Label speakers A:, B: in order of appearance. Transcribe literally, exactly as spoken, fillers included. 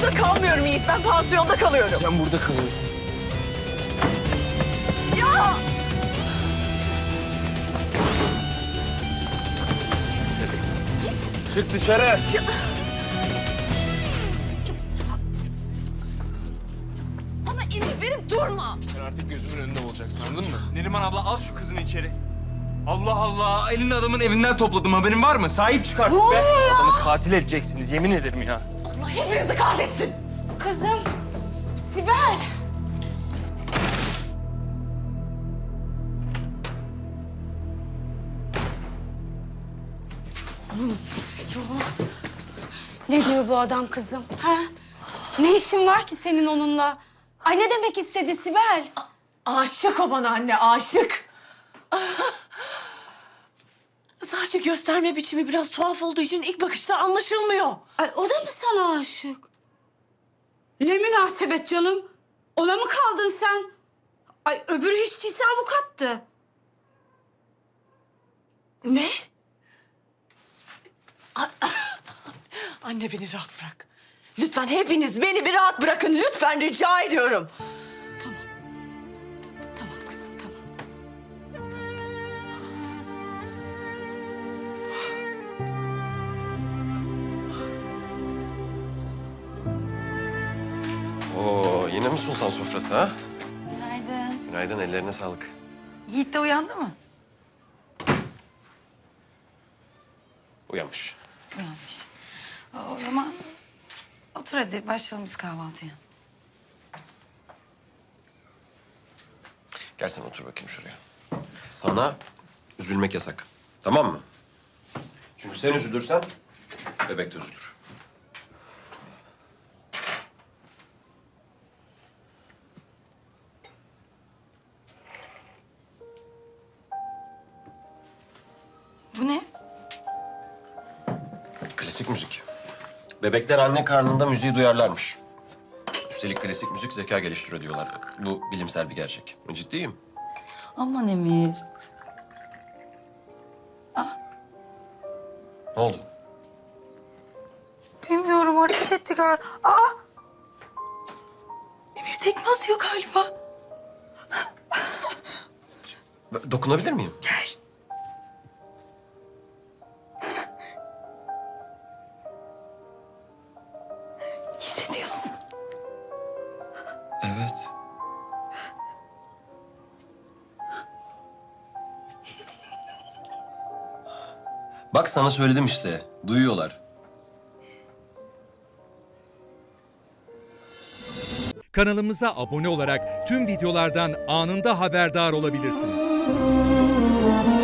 A: burada kalmıyorum Yiğit. Ben pansiyonda kalıyorum.
B: Sen burada kalıyorsun.
A: Ya!
B: Çık dışarı.
A: Ya. Bana emir verip durma.
B: Sen artık gözümün önünde olacaksın, anladın mı? Neriman abla al şu kızını içeri. Allah Allah, elin adamın evinden topladım, haberin var mı? Sahip çık artık
A: Ne
B: be.
A: oluyor ya?
B: Adamı katil edeceksiniz, yemin ederim ya.
A: Allah hepinizi kahretsin.
C: Kızım, Sibel. Ne diyor bu adam kızım? Ha? Ne işin var ki senin onunla? Ay ne demek istedi Sibel?
A: Aşık o bana anne, aşık. Sadece gösterme biçimi biraz tuhaf olduğu için ilk bakışta anlaşılmıyor.
C: Ay o da mı sana aşık? Ne münasebet canım? Ona mı kaldın sen? Ay öbürü hiç değilse avukattı.
A: Ne? A- Anne beni rahat bırak. Lütfen hepiniz beni bir rahat bırakın. Lütfen rica ediyorum.
C: Tamam. Tamam kızım tamam.
D: Oo, yine mi sultan sofrası ha?
C: Günaydın.
D: Günaydın, ellerine sağlık.
C: Yiğit de uyandı mı?
D: Uyanmış.
E: Uyanmış. O zaman otur hadi başlayalım biz kahvaltıya.
D: Gel sen otur bakayım şuraya. Sana üzülmek yasak. Tamam mı? Çünkü sen üzülürsen bebek de üzülür.
E: Bu ne?
D: Klasik müzik. Bebekler anne karnında müziği duyarlarmış. Üstelik klasik müzik zeka geliştiriyor diyorlar. Bu bilimsel bir gerçek. Ciddiyim.
E: Aman Emir.
D: Ne oldu?
E: Bilmiyorum hareket etti galiba. Aa! Emir tekme atıyor galiba.
D: B- Dokunabilir miyim?
E: Gel. Hissediyor musun?
D: Evet. Bak sana söyledim işte. Duyuyorlar.
F: Kanalımıza abone olarak tüm videolardan anında haberdar olabilirsiniz.